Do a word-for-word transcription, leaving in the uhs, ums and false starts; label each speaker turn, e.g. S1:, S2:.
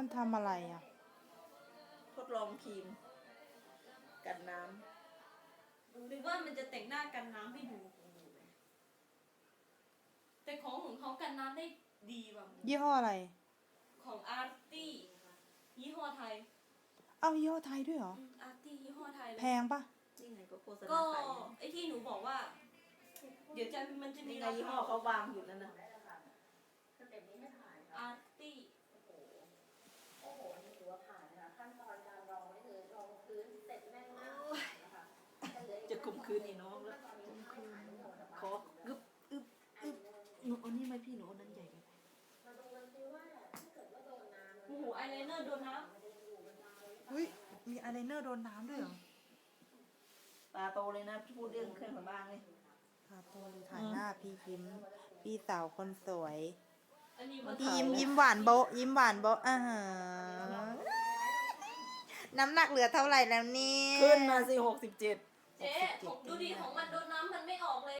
S1: มันทำอะไรอ่ะ
S2: ทดลองครีมกันน้
S3: หรือว่ามันจะแต่งหน้ากันน้ำให้ดูแต่ของของเขากันน้ำได้ดีแบบ
S1: ยี่ห้ออะไร
S3: ของอาร์ตี้ยี่ห้อไทย
S1: เอ้ายี่ห้อไทยด้วยเหรอ
S3: อาร์ตี้ยี่ห้อไทยเลย
S1: แพงปะ
S2: ำนี่ไงก็โฆษณา
S3: ก็
S2: ขาย
S3: ไอที่หนูบอกว่า เดี๋ยวจะมันจะมี
S2: นี่ไงยี่ห้อเขาวางอยู่นั่นนะ
S3: อาร์ตี้
S4: โอ้โหนี่ถือว่าผ่านนะคะขั้นตอนการรองนี่คือรองพื้นเสร็จแม่นมากนะคะ
S2: จะข่มขืนนี่น้องแล้วขอกึบอึบอึบหนูเอานี่ไหมพี่หนูเอานั้นใหญ่ไป
S4: มาดูกันซิว่าถ้าเกิดว่าโดนน้ำ
S3: โอ้โหไอไลเนอร์โดนน้
S1: อุ้ยมีอายไลเนอร์โดนน้ำด้วยเหรอ
S2: ตาโตเลยนะพูดเรื่องเครื่องสำอางเลย
S1: พาโพลีถ่ายหน้าพี่ยิ้มพี่สาวคนสวย
S3: ำอันนี้มัน
S1: พี่ยิ้มยิ้มหวานโบะยิ้มหวานโบะอ่าฮะน้ำหนักเหลือเท่าไหร่แล้วเนี่ย
S2: ขึ้นมาสิหกสิบเจ็ด
S3: เจ๊ของดูดิของมันโดนน้ำมันไม่ออกเลย